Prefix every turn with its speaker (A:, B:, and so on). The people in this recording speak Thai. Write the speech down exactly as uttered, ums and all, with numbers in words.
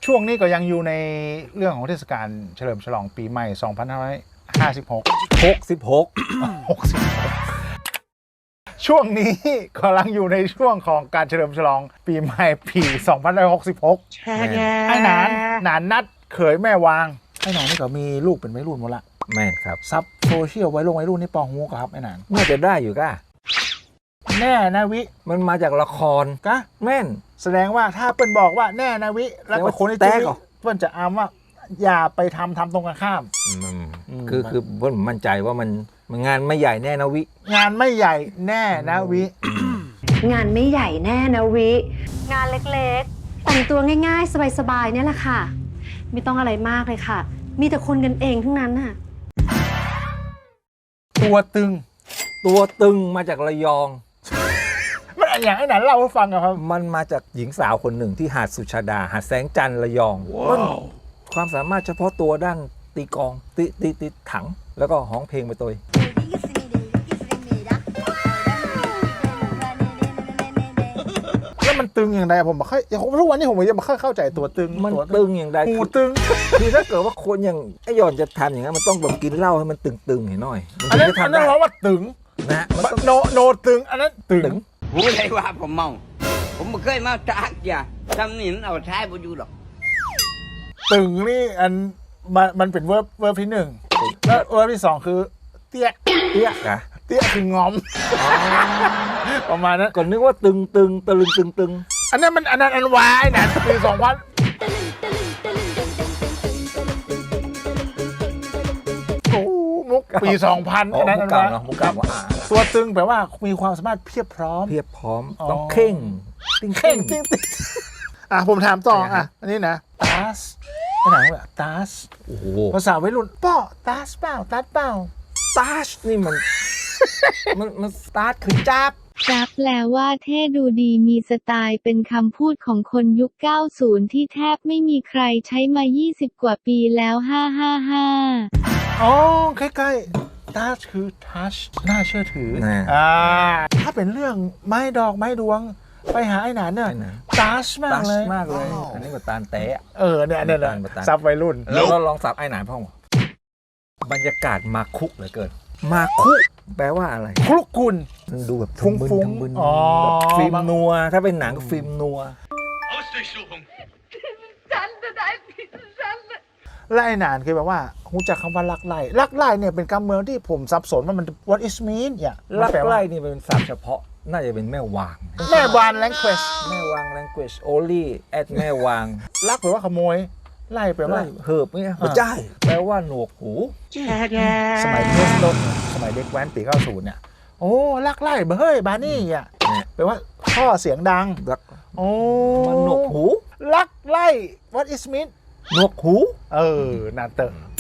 A: ช่วงนี้ก็ยังอยู่ในเรื่องของเทศกาลเฉลิมฉลองปีใหม่สองพันห้าร้อยห้าสิบหก
B: หกสิบหก
A: หกสิบช่วงนี้กำลังอยู่ในช่วงของการเฉลิมฉลองปีใหม่ปีสองพันห้าร้อยหกสิบหกไอ้หนานหนานนัดเขยแม่วางไอ้หนานนี่ก็มีลูกเป็นวัยรุ่นหมดละ
B: แม่นครับ
A: ซับโซเชียลไว้ลงวัยรุ่นนี่ปองหูครับไอ้หนาน
B: น่าจะได้อยู่ก้า
A: แน่นะวิ
B: มันมาจากละคร
A: กะ
B: แม่น
A: แสดงว่าถ้าเปิ้นบอกว่าแน่นะวิแล้วก็คนที่
B: แต
A: จะ
B: กเหรอ
A: เปิ้นจะอ้างว่าอย่าไปทำทำตรงกันข้าม
B: อืม
A: อืม
B: คือคือผมมั่นใจว่ามันมันงานไม่ใหญ่แน่นะวิ
A: งานไม่ใหญ่แน่นะวิ
C: งานไม่ใหญ่แน่นะวิ งานเล็กๆ แต่งตัวง่ายๆ สบายๆ เนี่ยแหละค่ะ ไม่ต้องอะไรมากเลยค่ะ มีแต่คนกันเองทั้งนั้นน่ะ
A: ตัวตึง
B: ตัวตึงมาจากระยอง
A: มันอย่างไอ้หนานเล่าให้ฟังอะครับ
B: มันมาจากหญิงสาวคนหนึ่งที่หาดสุชาดา หาดแสงจันทร์ระยองมันความสามารถเฉพาะตัวด้านตีกลองตีตีตีถัง แล้วก็ร้องเพลงไปตัว
A: แล้วมันตึงอย่างไรผมบอกค่อยทุกวันนี้ผมยังไม่ค่อยเข้าใจตัวตึง
B: มัน
A: ตัว
B: ตึงอย่างใด
A: หู
B: คือ
A: ตึง
B: คือถ้าเกิดว่าคนอย่างไอ้หย่อนจะทำอย่างนั้นมันต้องแบบกินเหล้าให้มันตึงๆหน่อยมัน
A: อัน
B: ถึ
A: นั้
B: ง
A: น
B: จะ
A: อัน
B: ทำ
A: นั้น
B: ได้
A: เพราะว่าตึง
B: นะมันต้อง
A: โนโนตึงอันนั้นตึง
B: ตึง
D: ผู้ใดว่าผมเมา ผมไม่เคยมาจากอย่าทำนี่มันเอาท้ายบ่อยู่หรอก
A: ตึงนี่อันมันมันเป็นเวิร์บเวิร์บที่หนึ่งแล้วเวิร์บที่สองคือ เตี้ย
B: เตี้ยกะ
A: เตี้ยคืองอมประมาณนั้น
B: ก่อนนึกว่าตึงตึงตะลึงตึงตึง
A: อันนั้นมันอันนั้นอันวายนะปีสองพันโอ้มุกปีสองพัน
B: อ๋อ
A: อันนั้น
B: มุ
A: อั
B: ก
A: น
B: เก่า
A: นั้น
B: เนาะมุกเก่าว่าอ่า
A: ตัวตึงแปลว่ามีความสามารถเพียบพร้อม
B: เพียบพร้อม
A: อ๋อ
B: ต้องเข่งติ้ง
A: เข่
B: เข่
A: ง
B: ง
A: ติ้งติ้งอ่ะผมถามต่ออ่ะอันนี้นะตาสไอ้ไหนวะตาส
B: โอ้โห
A: ภาษาวัยรุ่นป้อตาสเปล่าตัดเปล่า
B: ตาชนี่มัน มันมันสตาร์ทคือจับ
E: จับแปลว่าเท่ดูดีมีสไตล์เป็นคำพูดของคนยุค เก้าสิบ ที่แทบไม่มีใครใช้มา ยี่สิบ กว่าปีแล้ว ห้า ห้า ห้า
A: อ๋อใกล้ๆตาสคือทัชน่าเชื่อถือ
B: นะ
A: อ่าถ้าเป็นเรื่องไม้ดอกไม้ดวงไปหาไอ้หนานเนี่ย
B: ไอ้หนาน
A: ตาชมา
B: ตาก ช
A: เลย
B: มากเลย
A: อ๋อ
B: อันนี้ก็ตาลแตะ
A: เออเนี่ยเนี่ยเนี่ย
B: ประตาน
A: ซับวัยรุ่น
B: แล้วก็ลองสับไอ้หนานพ่อบอกบรรยากาศมาคุกเหลือเกิน มาคุแปลว่าอะไร
A: คลุกกุล
B: มันดูแบบ
A: ฟุ้งๆ
B: ทั้มึน
A: อ๋อ
B: แบบฟิล์มนัว ถ้าเป็นหนังก็ฟิล์มนัว
A: และไอ้หนานคือแบบว่ารู้จักคำว่าลักไล่ลักไล่เนี่ยเป็นคำเมืองที่ผมสับสนว่ามัน what is mean เนี่ย
B: ลัก
A: แปว่า
B: ไล่นี่เป็นศัพท์เฉพาะ น่าจะเป็นแม่วาง
A: แม่วาน language
B: แม่วาง language only at แม่วาง
A: ลักแปลว่าขโมยไล่แปลว่า
B: ไล่เหิบเนี่ยไม่ใช่แปลว่าหนวกหู
A: สมัยเริ่มต้นสมัยเด็กแว้นปีเก้าสิบเนี่ยโอ้ลักไล่เบเฮ้ยบานี่อ่ะ
B: เนี่ย
A: แปลว่าท่อเสียงดัง
B: ลัก
A: โอ้
B: มันหนวกหู
A: ลักไล่ what is mean
B: หนวกหู
A: เออนาเตอร์